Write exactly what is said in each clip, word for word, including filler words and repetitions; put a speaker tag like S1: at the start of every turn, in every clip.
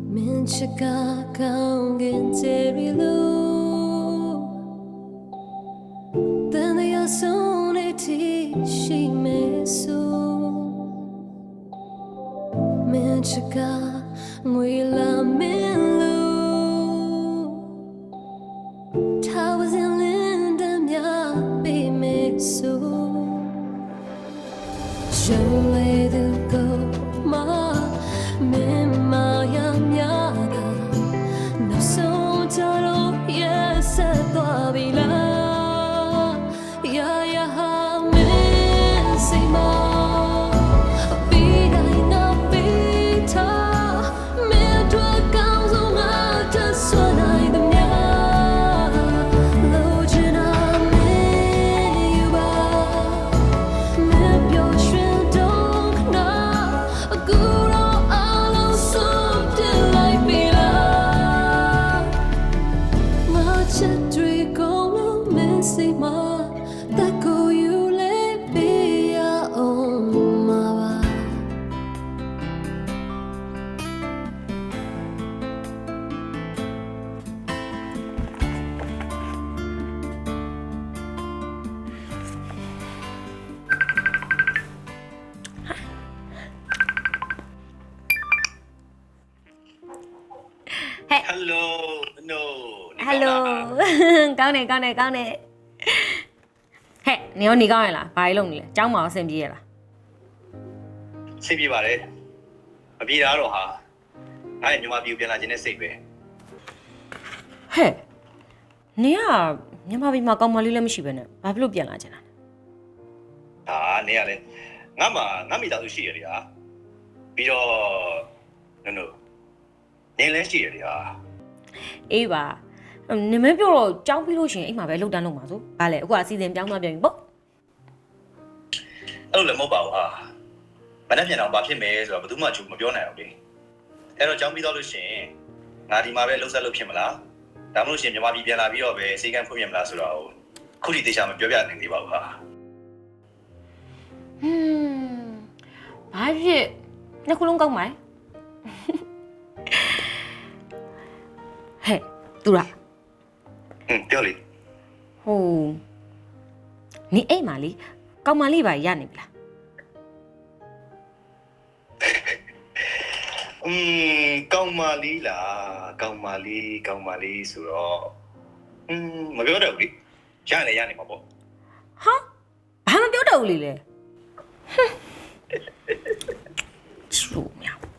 S1: Minchika kaungin terilu Then they are soon eti she mesu Minchika ngwila minlu Towers in Linda mya be mesu Jole the go ma Mimaya myaga No so taro yes atwabila Ya ya ha mesima Vida ina vita Me dua causa ma taswana ida mya Lojina me yuba Me pyo shin dong na Guru That go you let be your own mama.
S2: Hey.
S3: Hello. No.
S2: Hello. ကောင်းတယ်ကောင်းတယ်ကောင်းတယ်ဟဲ့နေရောနေကောင်းရလားဘာလို့လုပ်နေလဲကျောင်းမှာအဆင်ပြေရလား
S3: စိတ်ပြေပါတယ်မပြေတာတော့ဟာငါ့ရဲ့ညီမပြူပြန်လာခြင်းနဲ့စိတ်ပဲ
S2: ဟဲ့နေကမြန်မာပြည်မှာကောင်းမလေးလည်းမရှိပဲနဲ့ဘာဖြစ်လို့ပြန်လာချင်တာ
S3: ဟာနေရလဲငါမှငါမိသားစုရှိရတယ်ဟာပြီးတော့နော်နော်နေလဲရှိရတယ်ဟာ
S2: အေးပါနေမပြောတော့ကြောင်းပြီးလို့ရှိရင်အိမ်မှာပဲလှုပ်တန်းလုပ်မှာဆိုဘာလဲအခုအစီအစဉ်ပြောင်းသွားပြန်ပြီပေါ့
S3: အဲ့လိုလည်းမဟုတ်ပါဘူးဟာမနေ့ပြန်တော့ဘာဖြစ်မယ်ဆိုတော့ဘယ်သူမှချူမပြောနိုင်အောင်လေအဲ့တော့ကြောင်းပြီးတော့လို့ရှိရင်ငါဒီမှာပဲလှုပ်ဆက်လို့ဖြစ်မလားဒါမှမဟုတ်ရှင်မြန်မာပြည်ပြန်လာပြီးတော့ပဲစေကန်းဖွင့်ပြမလားဆိုတော့ခုထိတေချာမပြောပြနိုင်သေးပါဘူးဟာ
S2: ဟွန်းဘာဖြစ်နှစ်ခုလုံးကောင်းပါ့ဟဲ့သူလား
S3: ဟင်းပြောလေ
S2: ဟိုနေအိမ်မှာလေကောင်းမလေးပါရနေပြီလား
S3: อืมကောင်းပါလီလားကောင်းပါလီကောင်းပါလီဆိုတော့อืมမပြောတော့ဘူးလေရနေရနေမှာပေါ့
S2: ဟာဘာမပြောတော့ဘူးလေလေဟွန်းချူမြောင်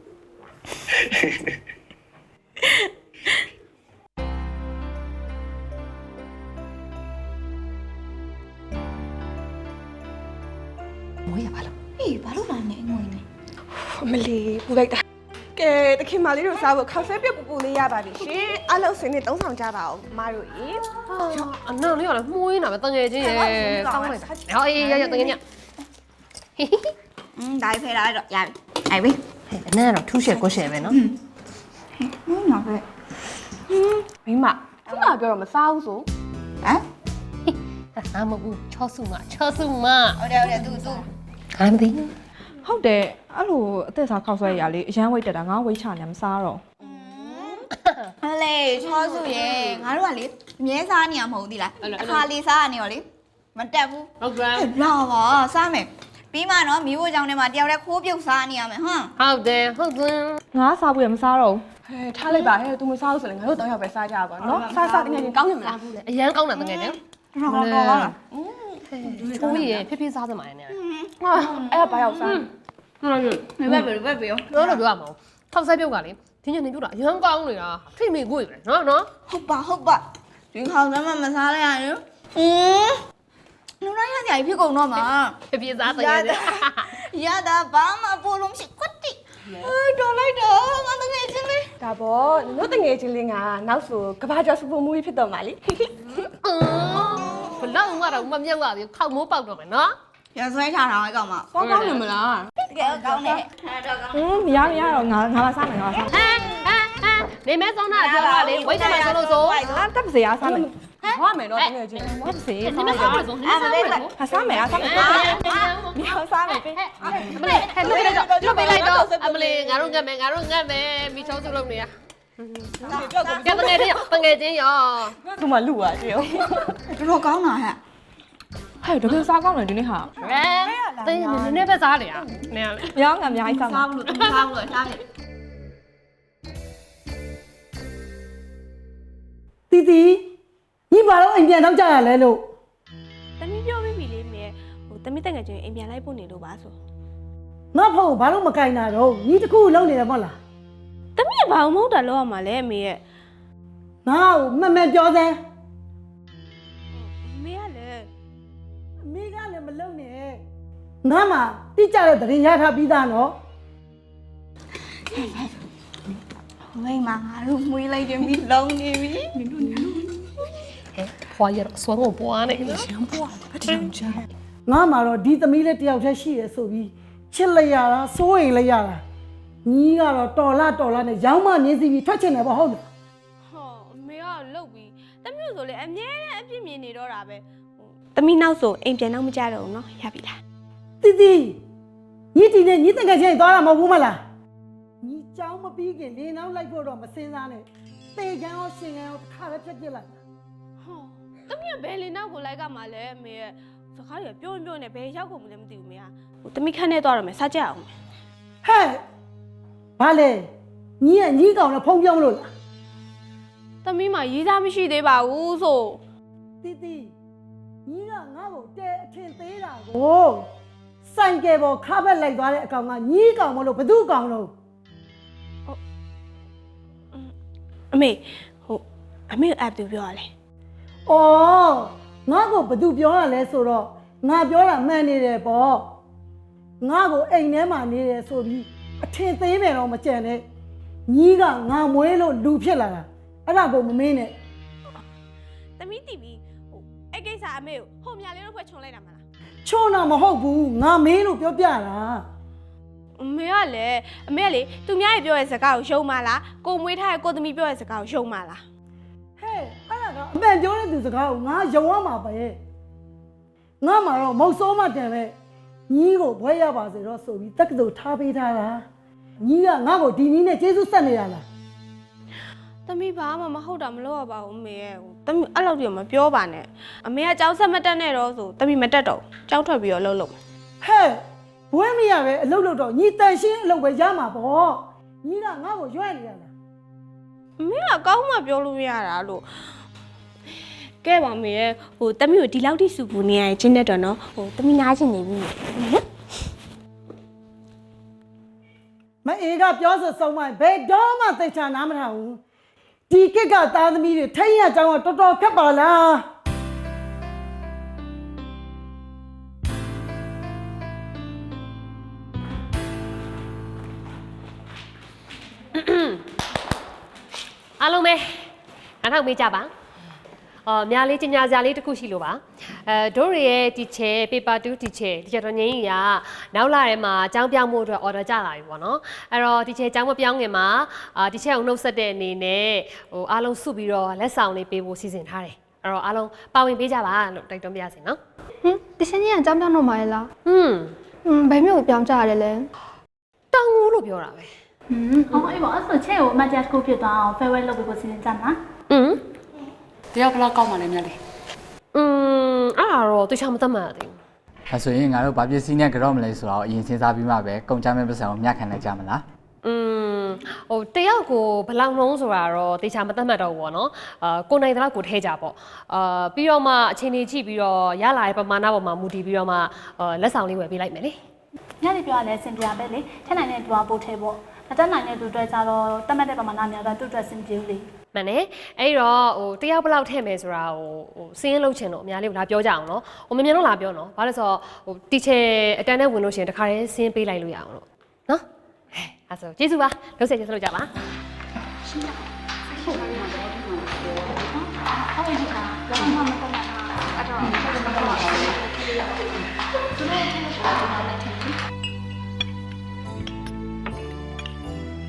S4: မွေးရပါလို့အေးဘာလို့လာနေငွေနေ
S5: အမလီပူလိုက်တာကဲတခင်မလေးတို့စားဖို့ခေါက်ဆဲပြပူပူလေးရပါပြီရှင်အလုပ်စင်းနဲ့သုံးဆောင်ကြပါအောင်မတို့ရေ
S1: အနောက်လေးကလည်းမှုရင်းတာပဲတငယ်ချင်းရဲ့ကောင်းလိုက်တာဟောအေးရရတငယ်ည
S4: อืมဒါဖဲလာတော့ရပြီအိုင်ပြီ
S1: အနက်ကတော့ထူးရှယ်ကိုရှယ်ပဲနော်
S4: ဟင်းနော်ပဲ
S5: မိမခုနပြောတော့မစားဘူးဆို
S4: ဟမ်
S1: အာမဘူးချောစုမချောစုမ
S4: ဟုတ်တယ်ဟုတ်တယ်သူသူ
S1: ဟာမသိ
S5: ဟုတ်တယ်အဲ့လိုအသက်စားခေါက်ဆွဲရလေအရန်ဝိတ်တက်တာငါဝိတ်ချနေမစားတော့
S4: ဟလေချောစုရေငါတို့ကလေအမြဲစားနေရမဟုတ်သေးလားအခါလေးစားနေရောလေမတက်ဘူး
S1: ဟုတ်ကဲ့
S4: လာပါစားမယ်ပြီးမှနော်မိဖို့ကြောင့်ထဲမှာတယောက်တည်းခိုးပြုတ်စားနေရမယ်ဟမ်
S1: ဟုတ်တယ်ဟုတ်တယ်
S5: ငါစားဖို့ရမစားတော့ဟဲထားလိုက်ပါဟဲ तू မစားဘူးဆိုရင်ငါတို့တောင်းရပဲစားကြပါနော်စားစားတကယ်ချင်းကောင်းနေမလား
S1: အရန်ကောင်းတာတငယ်ချင်း
S4: တော်တော်တော်လား
S1: ချိုးရဖိဖိစားသမားနေတယ်
S5: ဟာအဲ့ဘာရောက်စား
S1: ဟုတ်တယ်
S4: ဘယ်ဘယ်ဘယ်ပြော
S1: ပြောလို့ပြောရမှာထောက်ဆက်ပြုတ်ကလေဒီညနေပြုတ်တာအရန်ကောင်းနေတာထိမိကိုပဲနော်နော်
S4: ဟုတ်ပါဟုတ်ပါဒီခေါင်းထဲမှာမစားလိုက်ရရင်อืมလူတိုင်းရကြဖြစ်ကုန်တော့မှာ
S1: ဖိဖိစားတငယ်ချင်း
S4: ရတာဘာမှပို့လို့မရှိကွတ်တိအေးတော်လိုက်တော့ငါတကယ်ချင်းလေး
S5: ဒါပေါ့တို့တငယ်ချင်းလေးကနောက်ဆိုကဘာကျော်စူပူမူကြီးဖြစ်တော့မှာလေ
S1: ဘလောက်ငါတော့မမြောက်ရသေးခောက်မိုးပေါက်တော့မယ်နော်
S4: ရဆွဲချတာဟဲ့ကောင်မ
S5: ကောင်းကောင်းနေမလား
S4: တကယ်ကောင်းနေဟာတော့ကောင်း
S5: ဟင်းမရမရတော့ငါငါမစားမယ်ငါမစား
S1: ဟမ်ဟမ်ဟမ်နေမဲဆုံးတာပြောတာလေဝိတ်တယ်မှာဆိုလို့ဆို
S5: အာတက်ပါစေအားစားမယ်
S4: ဟမ်
S5: စားမယ်နော်တကယ်ချင်းဝတ်စေ
S6: 你们啥物种？你们啥物种？
S5: ဟာစားမယ်အားစားမယ်မြောက်စားမယ်ပေး
S6: အမလေးဟဲ့လွတ်ပေးလိုက်တော့လွတ်ပေးလိုက်တော့အမလေးငါတို့ငတ်မယ်ငါတို့ငတ်မယ်မိချောစုလုံးနေရကဲတငယ်ချင်းရောတငယ်ချင်းရော
S5: သူမှလူပါတယော
S4: တော်တော်ကောင်းတာဟဲ့
S5: ဟဲ့တကယ်စားကောင်းတယ်ဒီနေ့ဟာ
S6: ဟဲ့တင်းနည်းနည်းပဲစားနေရနည်းလေ
S5: မြောက်ငါအများကြီးစားမှာ
S4: စားလို့စားလို့စားမယ်
S7: တီတီညီမတော့အိမ်ပြန်တော့ကြရလဲလို့
S5: တမီးပြောပြီးပြီလေမြေဟိုတမီးတက်ငယ်ချင်းအိမ်ပြန်လိုက်ဖို့နေလို့ပါဆို
S7: ငါဖို့ဘာလို့မကင်တာတော့ညီတခုလုံးနေတယ်မဟုတ်လား
S5: တမီးကဘာမှမဟုတ်တာလောက်ရမှာလဲအမေရဲ့
S7: ငါ့ကိုမှန်မှန်ပြောစမ်း
S5: အမေကလည်း
S7: အမေကလည်းမလုံနဲ့ငါမှတိကျတဲ့သတင်းရထားပြီးသားနော်
S4: မိမငါတို့မွေးလိုက်တယ်မိလုံးနေပြီ
S6: ဖွာရဆွမ်းကိုပွားနေ
S7: ငါမှတော့ဒီသမီးလေးတယောက်တည်းရှိရဆိုပြီးချစ်လိုက်ရတာစိုးရိမ်လိုက်ရတာညီကတော့တော်လာတော်လာနဲ့ရောင်းမမြင်စီပြီးထွက်ချင်တယ်ပေါ့ဟုတ်လား
S5: ဟောအမေကလှုပ်ပြီးတမီးဆိုလေအမြဲတမ်းအပြစ်မြင်နေတော့တာပဲတမီးနောက်ဆိုအိမ်ပြန်တော့မကြတော့ဘူးနော်ရပြီလား
S7: တီတီညီတီနဲ့ညီတကယ်ချင်းသွားတာမဟုတ်ဘူးမလားညီเจ้าမပြီးခင်လင်းနောက်လိုက်ဖို့တော့မစင်စားနဲ့တေကံရောရှင်ကံရောတစ်ခါပဲဖြတ်ပြစ်လိုက်
S5: ဟောတမီးကဘယ်လင်နောက်ကိုလိုက်ကမှလဲအမေရဲ့စကားတွေပြောရင်ပြောနေဘယ်ရောက်ကုန်မလဲမသိဘူးမေကဟိုတမီးခန်းထဲသွားတော့မယ်စားကြအောင်
S7: ဟဲ့ဘာလဲညီကညီကောင်နဲ့ဖုံးပြောင်းလို့လား
S5: တမီးမှရေးစားမရှိသေးပါဘူးဆို
S7: တီတီညီကငါ့ကိုတဲအထင်သေးတာကိုစိုင်ကယ်ပေါ်ခါဘက်လိုက်သွားတဲ့အကောင်ကညီကောင်မလို့ဘသူ့ကောင်လို့
S5: အမေဟိုအမေအပ်သူပြောရလဲ
S7: ဩငါ့ကိုဘသူပြောရလဲဆိုတော့ငါပြောတာမှန်နေတယ်ပေါ့ငါ့ကိုအိမ်ထဲမှာနေတယ်ဆိုပြီးအထင်သေးမယ်တော့မကြံနဲ့ညီကငါမွေးလို့လူဖြစ်လာတာအဲ့ဒါကိုမမင်းနဲ့
S5: တမီးတီဗီဟိုအဲ့ကိစ္စအမေကိုဟိုမြလေးတို့ဖွဲ့ချုံလိုက်တာမလား
S7: ချွန်းတော့မဟုတ်ဘူးငါမင်းလို့ပြောပြတာ
S5: အမေကလည်းအမေကလေသူများရဲ့ပြောတဲ့စကားကိုရှုံးမလားကိုမွေးထားတဲ့ကိုသမီးပြောတဲ့စကားကိုရှုံးမလား
S7: ဟဲ့အဲ့ဒါကအမှန်ပြောတဲ့သူစကားကိုငါယုံရမှာပဲငါမှတော့မဟုတ်စိုးမှတန်ပဲညီကိုဘွဲရပါစေတော့ဆိုပြီးတက္ကသိုလ်ထားပေးထားတာညီကငါ့ကိုဒီနည်းနဲ့ကျေးဇူးဆက်နေရလား
S5: သမီးဘာမှမဟုတ်တာမလုပ်ရပါဘူးအမေရဲ့ဟိုသမီးအဲ့လောက်ကြီးမပြောပါနဲ့အမေကကြောက်ဆက်မတက်နဲ့တော့ဆိုသမီးမတက်တော့ကြောက်ထွက်ပြီးတော့လှုပ်လှုပ်
S7: ဟဲ့ဘွဲမရပဲအလုပ်လုပ်တော့ညီတန်ရှင်းအလုပ်ပဲရမှာပေါ့ညီကငါ့ကိုရွက်နေရလား
S5: အမေကကောင်းမှပြောလို့မရတာလို့ကဲပါမေရဲ့ဟိုသမီးကိုဒီလောက်ထိစုပူနေရရင်ချင်းတက်တော့နော်ဟိုသမီးနားချင်နေပြီနော်
S7: မအေးကပြောဆိုဆုံးမဘယ်တော့မှသိချာနားမထောင်ဘူးဒီကက်ကသားသမီးတွေထိတ်ရအကြောင်းကတော်တော်ခက်ပါလား
S6: အားလုံးပဲအထောက်မေးကြပါအော်များလေးကျညာစရာလေးတစ်ခုရှိလို့ပါအဲတို့ရရဲ့ teacher paper two teacher teacher တော်ငင်းကြီးကနောက်လာထဲမှာအကြောင်းပြောင်းဖို့အတွက် order ကြလာပြီပေါ့နော်အဲ့တော့ teacher အကြောင်းမပြောင်းခင်မှာအာ teacher ကိုနှုတ်ဆက်တဲ့အနေနဲ့ဟိုအားလုံးစုပြီးတော့လက်ဆောင်လေးပေးဖို့စီစဉ်ထားတယ်အဲ့တော့အားလုံးပါဝင်ပေးကြပါလို့တိုက်တွန်းပြရစီနော်
S8: ဟင်တရှင်ကြီးကအကြောင်းပြောင်းတော့မှာလား
S6: ဟွန်း
S8: ဟွန်းဘယ်မျိုးကိုပြောင်းကြရတယ်လဲ
S6: တောင်းငူလို့ပြောတာပဲ
S9: ဟွန်းအော်အေးပေါ့အဲ့ဆိုချဲ့ကိုအမတ်ဂျတ်ကိုဖြစ်သွားအောင် farewell လုပ်ပေးဖို့စီစဉ်ကြမှာ
S6: ဟွန်း
S10: တယောက်ဘလောက်ကောက်မှလဲမြတ်လေ
S6: อืมအဲ့ဒါတော့တခြားမသတ်မှတ်ရသေးဘူး
S11: အဲဆိုရင်ငါတို့ဘာပစ္စည်းနဲ့ကြော့မလဲဆိုတော့အရင်စဉ်းစားပြီးမှပဲကုန်ကြမဲ့ပတ်စံကိုမျှခံလိုက်ကြမလား
S6: อืมဟိုတယောက်ကိုဘယ်လောက်နှုံးဆိုတာတော့တခြားမသတ်မှတ်တော့ဘူးပေါ့နော်အာကိုနိုင်တဲ့လောက်ကိုထဲကြပေါ့အာပြီးတော့မှအချိန်ကြီးကြည့်ပြီးတော့ရလာတဲ့ပမာဏပေါ်မှာမူတည်ပြီးတော့မှအာလက်ဆောင်လေးဝယ်ပေးလိုက်မယ်လေ
S9: ညနေပြောရလဲအဆင်ပြေပဲလေထက်နိုင်တဲ့သူကပို့ထဲပေါ့မတက်နိုင်တဲ့သူတွေကြတော့တတ်မှတ်တဲ့ပမာဏများတော့သူ့အတွက်အဆင်ပြေဘူးလေ
S6: မှန်တယ်အဲ့တော့ဟိုတယောက်ဘယ်လောက်ထည့်မယ်ဆိုတာဟိုဟိုစင်းလုံးချင်တော့အများလေးကိုလာပြောကြအောင်နော်ဟိုမမြန်တော့လာပြောနော်ဘာလို့ဆိုတော့ဟိုတီချယ်အတန်းနဲ့ဝင်လို့ရှိရင်တခါတည်းစင်းပေးလိုက်လို့ရအောင်လို့နော်ဟဲ့အဲ့ဆိုကျေးဇူးပါလုံးဆက်ကျေးဇူးလုပ်ကြပါ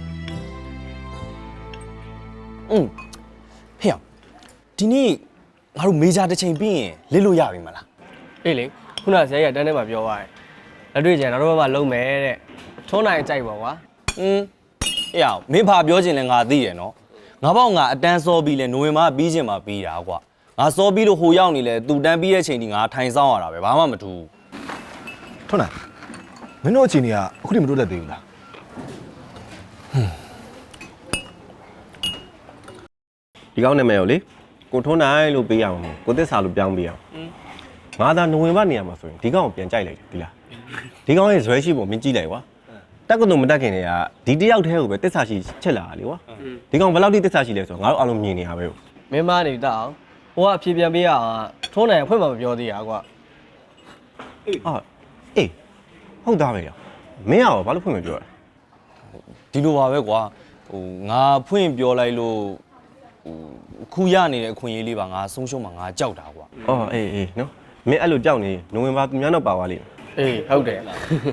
S12: อืมဖေရဒီနေ့ငါတို့မေဂျာတစ်ချိန်ပြီးရင်လစ်လို့ရပြီမလား
S13: အေးလေခုနဆရာကြီးကတန်းထဲမှာပြောသွားတယ်လက်တွေ့ကျန်နောက်တော့ဘာလုံးမယ်တဲ့ထုံးနိုင်ကြိုက်ပါကွာ
S12: อืมအေးအောင်မင်းဘာပြောချင်လဲငါသိတယ်နော်ငါပေါ့ငါအတန်းစောပြီးလဲနိုဝင်ဘာပြီးချင်မှာပြီးတာကွာငါစောပြီးလို့ဟိုရောက်နေလဲသူတန်းပြီးတဲ့ချိန်ဒီငါထိုင်ဆောင်ရတာပဲဘာမှမထူး
S14: ထွန်းနိုင်မင်းတို့အချိန်ကြီးကအခုထိမတိုးတက်သေးဘူးလားဒီကောင်းနာမည်ကိုလေကိုထွန်းနိုင်လို့ပေးရအောင်ကိုသစ္စာလို့ပြောင်းပေးအောင်ငါသာနိုဝင်ဘာနေရာမှာဆိုရင်ဒီကောင်ကိုပြန်ကြိုက်လိုက်တယ်ဒီလားဒီကောင်ရဲ့ဇွဲရှိပုံမင်းကြည့်လိုက်ကွာတက်ကတော့မတက်ခင်တည်းကဒီတယောက်တည်းကိုပဲသစ္စာရှိချက်လာတာလေကွာဒီကောင်ဘယ်လောက်ထိသစ္စာရှိလဲဆိုတော့ငါတို့အားလုံးမြင်နေရပဲ
S13: မင်းမနေတတ်အောင်ဟိုကအဖြေပြန်ပေးရအောင်ထုံးနိုင်အဖွင့်မှာမပြောသေးရကွာ
S12: အာအေးဟုတ်သားပဲရမင်းရောဘာလို့ဖွင့်မပြောလဲဒီလိုပါပဲကွာဟိုငါဖွင့်ပြောလိုက်လို့ဟိုခုရနေတဲ့အခွင့်အရေးလေးပါငါဆုံးရှုံးမှာငါကြောက်တာကွာအော်အေးအေးနော်မင်းအဲ့လိုကြောက်နေနိုဝင်ဘာသူများတော့ပါသွားလိမ့်မယ်
S13: အေးဟုတ်တယ်ဟဲ့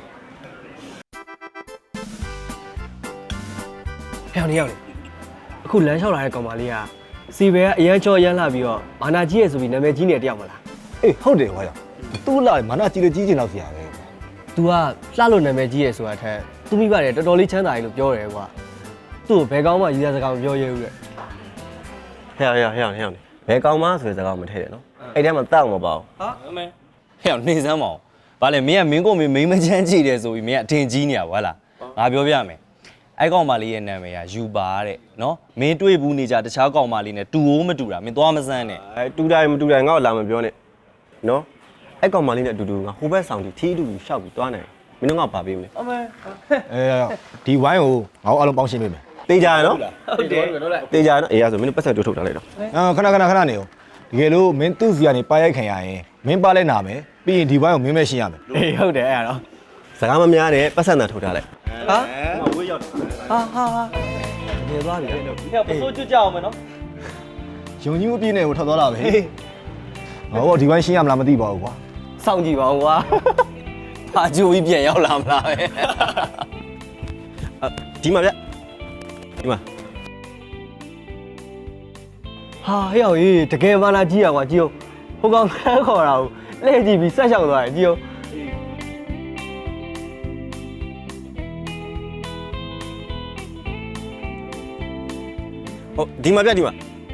S13: နေရောက်လေအခုလမ်းလျှောက်လာတဲ့ကောင်မလေးကစီဘဲကအရန်ချော်ရမ်းလာပြီးတော့မာနာကြီးရဲ့ဆိုပြီးနာမည်ကြီးနေတယောက်မလား
S14: အေးဟုတ်တယ်ကွာသူ့လာမာနကြီးလေကြီးကျင်တော့ဆရာပဲ
S13: तू ကလှလို့နာမည်ကြီးရဲ့ဆိုတာထက်သူမိပါတယ်တော်တော်လေးချမ်းသာတယ်လို့ပြောတယ်ကွာသူ့ကိုဘယ်ကောင်းမှရည်ရစကားမပြောရဘူးတဲ့
S12: ဟဲ့ဟဲ့ဟဲ့ဟဲ့ဘယ်ကောင်မှဆိုတဲ့စကားမထည့်တယ်နော်အဲ့ထဲမှာတောက်မပါဘူးဟာအမေဟဲ့နေစမ်းမအောင်ဘာလဲမင်းကမင်းကိုမင်းမိမချမ်းကြည့်တယ်ဆိုပြီးမင်းကအထင်ကြီးနေရပါလားငါပြောပြမယ်အဲ့ကောင်မလေးရဲ့နာမည်ကယူပါတဲ့နော်မင်းတွေ့ဘူးနေကြတခြားကောင်မလေးနဲ့တူအိုးမတူတာမင်းသွားမစမ်းနဲ့အဲတူတိုင်းမတူတိုင်းငါ့ကိုလာမပြောနဲ့နော်အဲ့ကောင်မလေးနဲ့အတူတူငါဟိုဘက်ဆောင်တီထီးအတူတူရှောက်ပြီးသွားနိုင်မင်းတို့ငါပါပေးမလဲအမေ
S14: အဲဒီဝိုင်းကိုငါတို့အားလုံးပေါင်းရှင်းပေးမယ်
S12: တေးကြရနော်
S13: ဟုတ်တယ်ဟုတ်တယ်
S12: တေးကြရနော်အေးရဆိုမင်းတို့ပတ်ဆက်တိုးထုတ်ထားလိုက်တော့
S14: အာခဏခဏခဏနေဦးတကယ်လို့မင်းသူ့စီကနေပါရိုက်ခံရရင်မင်းပါလဲနာမယ်ပြီးရင်ဒီဝိုင်းကိုမင်းပဲရှင်းရမယ်
S13: အေးဟုတ်တယ်အဲ့ဒါတော့
S12: စကားမများနဲ့ပတ်ဆက်နာထုတ်ထားလိုက်
S13: ဟာဝေးရောက်ဟာဟာဟာနေသွားပြီဟဲ့ပစိုးကျွတ်ကြအောင်မယ်နော်
S14: ယုံကြည်မှုပြည့်နေကိုထွက်သွားတာပဲငါတို့ဒီဝိုင်းရှင်းရမလားမသိပါဘူးကွာ
S13: စောင့်ကြည့်ပါဦးကွာ
S12: ဘာကြိုးပြီးပြန်ရောက်လာမလားပဲဒီမှာဗျဒီမှာ
S13: ဟာဟဲ့အောင်ကြီးတကယ်မာနာကြီးရကွာကြီးဟိုကောင်ခန်းခေါ်တာကိုလှည့်ကြည့်ပြီးဆက်လျှောက်သွားတယ်ကြီး
S12: ဟုတ်ဒီမှာဗျဒီမှာ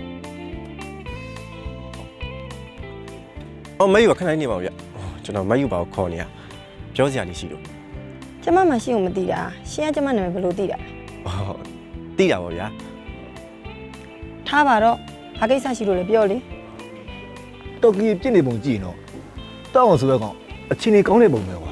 S12: အော်မယူခဏနေပါဦးဗျကျွန်တော်မယူပါကိုခေါ်နေရပြောစရာလေးရှိလို့
S15: ကျမမရှိဘူးမသိတာရှင်းကကျမနာမည်ဘယ်လိုသိတာ
S12: ဟုတ်သိတာပါဗျာ
S15: ထားပါတော့ဘာကိစ္စရှိလို့လဲပြောလေ
S14: တော်ကီပြစ်နေပုံကြည့်ရင်တော့တောက်အောင်ဆိုရကောင်အချင်းကြီးကောင်းတဲ့ပုံပဲကွာ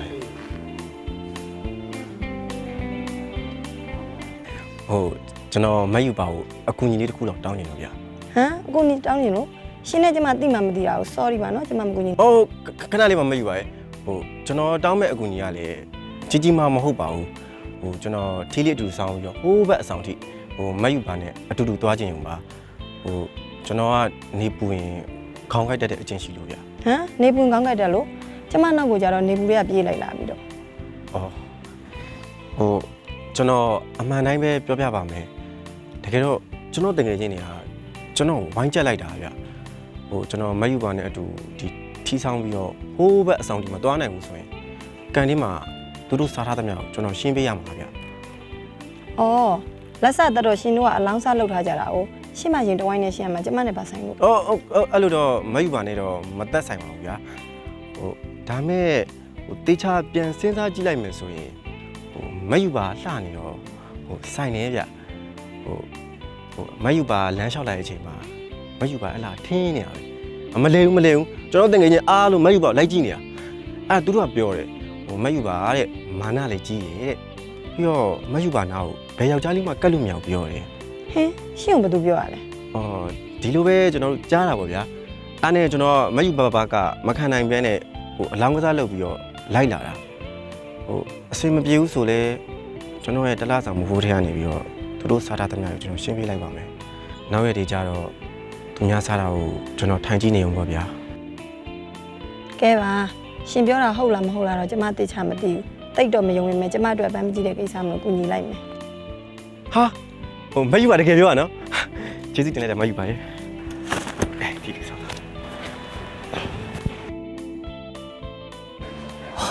S12: ဟုတ်ကျွန်တော်မယူပါဘူးအကူညီလေးတစ်ခုတော့တောင်းနေလို့ဗျာ
S15: ဟမ်အခုနေတောင်းနေလို့ရှင်းနဲ့ကျမသိမှမသိတာကို sorry ပါနော်ကျမမကူညီ
S12: ဟုတ်ခဏလေးမှမယူပါရဲ့ဟိုကျွန်တော်တောင်းမဲ့အကူညီကလည်းကြီးကြီးမားမဟုတ်ပါဘူးဟိုကျွန်တော်ထီးလေးအတူဆောင်ပြီးတော့ဟိုးဘက်အဆောင်ထိဟိုမယူပါနဲ့အတူတူသွားခြင်းုံပါဟိုကျွန်တော်ကနေပူရင်ခေါင်းကိုက်တတ်တဲ့အချင်းရှိလို့ဗျာ
S15: ဟမ်နေပူကောင်းကြတယ်လို့ကျမနောက်ကိုကြတော့နေပူတွေကပြေးလိုက်လာပြီးတော့
S12: အော်ဟိုကျွန်တော်အမှန်တိုင်းပဲပြောပြပါမယ်တကယ်တော့ကျွန်တော်တကယ်ချင်းနေတာကျွန်တော်ဝိုင်းချက်လိုက်တာဗျဟိုကျွန်တော်မယူပါနဲ့အတူဒီထီးဆောင်ပြီးတော့ဟိုးဘက်အဆောင်ဒီမှာသွားနိုင်ဘူးဆိုရင်ကန်ဒီမှာသူတို့စားထားသမျှကိုကျွန်တော်ရှင်းပေးရမှာဗျ
S15: အော်လက်ဆက်တော့ရှင်တို့ကအလောင်းစားလောက်ထားကြတာ哦ရှင်းမရင်တဝိုင်းနဲ့ရှင်းရမှာကျမနဲ့ပါဆိုင်လို့
S12: အော်အဲ့လိုတော့မယူပါနဲ့တော့မသက်ဆိုင်ပါဘူးဗျာဟိုဒါမဲ့ဟိုတေချာပြန်စဉ်းစားကြည့်လိုက်မယ်ဆိုရင်ဟိုမယူပါလှနေတော့ဟိုဆိုင်နေဗျဟိုဟိုမယူပါလမ်းလျှောက်လိုက်တဲ့အချိန်မှာမယူပါအလားထင်းနေတာပဲမလဲဘူးမလဲဘူးကျွန်တော်တင်ငယ်ချင်းအားလုံးမယူပါလိုက်ကြည့်နေတာအဲ့သူတို့ကပြောတယ်ဟိုမယူပါတဲ့မာနလည်းကြီးရဲ့တဲ့ပြီးတော့မယူပါနာကိုဘယ်ယောက်ျားလေးမှကတ်လို့မရဘူးပြောတယ်
S15: ဟင်းရှင်းအောင်ဘာသူပြောရလဲ
S12: အော်ဒီလိုပဲကျွန်တော်တို့ကြားတာပေါ့ဗျာအဲ့နဲ့ကျွန်တော်မယူပါပါကမခံနိုင်ပြန်နဲ့ဟိုအလောင်းကစားလုပ်ပြီးတော့လိုက်လာတာဟိုအဆွေမပြေဘူးဆိုလဲကျွန်တော်ရဲ့တလားဆောင်မဟုတ်တဲ့ကနေပြီးတော့သူတို့စားတာတများကိုကျွန်တော်ရှင်းပြလိုက်ပါမယ်နောက်ရက်တွေကျတော့သူများစားတာကိုကျွန်တော်ထိုင်ကြည့်နေအောင်ပေါ့ဗျာ
S15: ကဲပါရှင်ပြောတာဟုတ်လားမဟုတ်လားတော့ကျမသိချာမသိဘူးတိတ်တော့မယုံရင်မဲကျမအတွက်ပန်းမကြည့်တဲ့ကိစ္စမလို့ကူညီလိုက်မယ်
S12: ဟာဟိုမယူပါတကယ်ပြောရနော်ကျေးဇူးတင်လိုက်တယ်မယူပါရဲ့အဲဒီကိစ္စ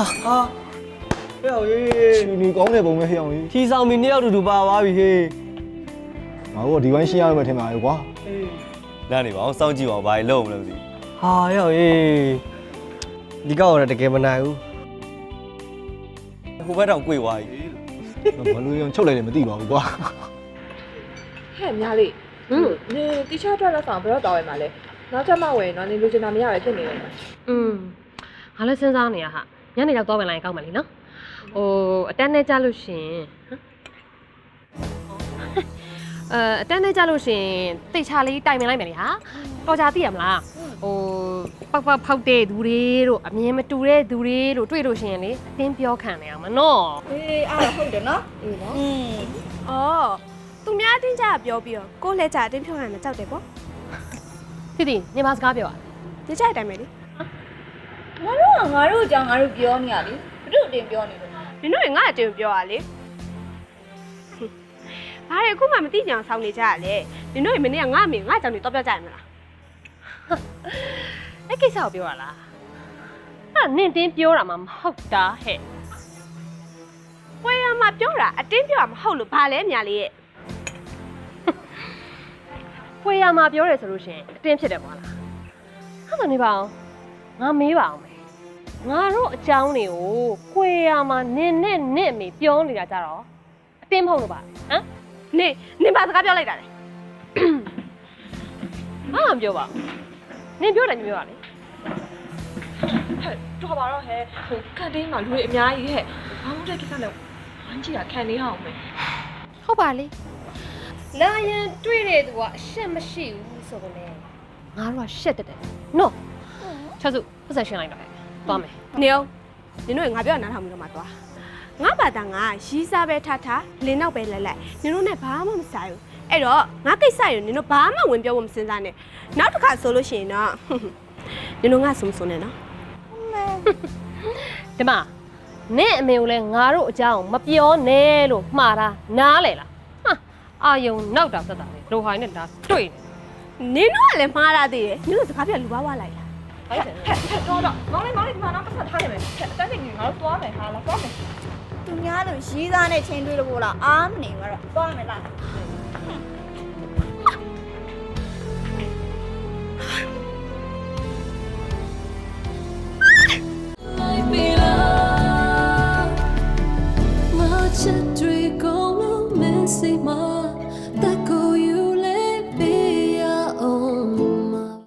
S13: ဟဲ့ဟောရေး
S16: ရှင်နေကောင်းတဲ့ပုံပဲဟဲ့အောင်ကြီး
S13: ထီဆောင်မီနှစ်ယောက်တူတူပါသွားပြီဟေး
S16: ငါတို့ကဒီပိုင်းရှင်းရမယ်ထင်ပါရဲ့ကွာ
S12: နားနေပါအောင်စောင့်ကြည့်ပါဦးဘာလို့လုံးမလဲမသိ
S13: ဟာဟဲ့ဟောရေးဒီကောက်တော့တကယ်မနိုင်ဘူး
S12: ဟိုဘက်တောင်ကြွေသွားပြီ
S16: ဘလို့ရောချုပ်လိုက်တယ်မသိပါဘူးကွာ
S17: ဟဲ့များလေးဟင်းနင်တီချာထွက်လက်ဆောင်ဘယ်တော့တောင်းရမှာလဲနောက်ချက်မှဝယ်နော်နင်လူချင်တာမရပဲဖြစ်နေတယ်
S6: อืมငါလည်းစဉ်းစားနေရဟာညနေရောက်တော့ပြန်လာရင်ကောက်မယ်လीနော်ဟိုအတန်းနဲ့ကြလို့ရှင်အဲအတန်းနဲ့ကြလို့ရှင်တိတ်ချလေးတိုင်ပင်လိုက်မယ်လीဟာတော်ကြသိရမလားဟိုပောက်ပောက်ဖောက်တဲ့သူတွေတို့အမြင်မတူတဲ့သူတွေတို့တွေ့လို့ရှင်လေအတင်းပြောခံနေအောင်မနော်
S4: အေးအားဟုတ်တယ်နော်အေးနော်อืม
S5: အော်သူများအတင်းကြပြောပြီးတော့ကိုလဲကြအတင်းဖြောင်းရမှာကြောက်တယ်ပေါ့
S6: တိတိညီမစကားပြောอ่ะ
S5: ဒီကြိုက်တိုင်းပဲလေ
S4: ငါတို့ကငါတို့အကြောင်းငါတို့ပြောနေရလေဘုတို့အတင်ပြောနေလို့
S5: နင်တို့ငါအတင်းပြောရလေဘာလဲအခုမှမသိကြအောင်ဆောင်းနေကြရလေနင်တို့မနေ့ကငါအမေငါအကြောင်းတွေတော့ပြောကြရမလား
S6: အဲ့ကိစ္စကိုပြောရလားအဲ့နင်တင်းပြောတာမှမဟုတ်တာဟဲ့
S5: ဝယ်ရမှာပြောတာအတင်းပြောတာမဟုတ်လို့ဘာလဲမြာလေးရဲ့
S6: ခွေရမှာပြောတယ်ဆိုလို့ရှင်အတင်းဖြစ်တယ်ကွာလားအဲ့ဒါနေပါအောင်ငါမေးပါအောင်မယ်ငါတို့အကြောင်းတွေကိုခွေရမှာနင်နဲ့နင့်အမေပြောနေတာကြတော့အတင်းမဟုတ်လို့ပါဟမ်
S5: နေနင်ဘာစကားပြောလိုက်တာလဲ
S6: ငါမပြောပါဘူးနင်ပြောတယ်ပြောရလေ
S17: ဟဲ့တော်ပါတော့ဟဲ့ဟိုကန်တင်းမှာလူတွေအများကြီးဟဲ့ဘာမှမတဲ့ကိစ္စနဲ့ဝမ်းကြည့်တာခံနေအောင်မယ်
S6: ဟုတ်ပါလေလာရင်တွေ့တဲ့သူကအရှက်မရှိဘူးဆိုတော့လေငါတို့ကရှက်တက်တယ်နော်ချက်စုပတ်ဆက်ရှင်းလိုက်တော့ဟဲ့သွားမယ်
S5: နေအောင်နင်တို့ငါပြောနားထောင်ပြီးတော့မှသွားငါဘာသာငါရီးစားပဲထားထားလင်းနောက်ပဲလဲလိုက်နင်တို့နဲ့ဘာမှမဆိုင်ဘူးအဲ့တော့ငါကိစ္စရနင်တို့ဘာမှဝင်ပြောဖို့မစင်စားနဲ့နောက်တစ်ခါဆိုလို့ရှိရင်တော့နင်တို့ငါစုံစုံနေနော်
S6: ဒီမှာနင့်အမေကိုလည်းငါတို့အကြောင်းမပြောနဲ့လို့မှားတာနားလေလားဟာအာယုံနောက်တာသက်တာလေလိုဟိုင်းနဲ့ဒါတွေ့နေ
S5: နင်တို့ကလည်းမှားတာသေးတယ်နင်တို့စကားပြလူပါဝါလိုက်လား
S17: ဟဲ့ဟဲ့တော်တော့မောင်လေးမောင်လေးဒီမှာတော့ပတ်သက်ထားရမယ်ဟဲ့အတန်းကြီးငါတို့သွားမယ်ဟာလားသွားမယ်
S4: သူများလို့ရီးသားနဲ့ချင်းတွေးလို့လားအားမနေမှာတော့သွားမယ်လား
S1: Like me love, my children go missing my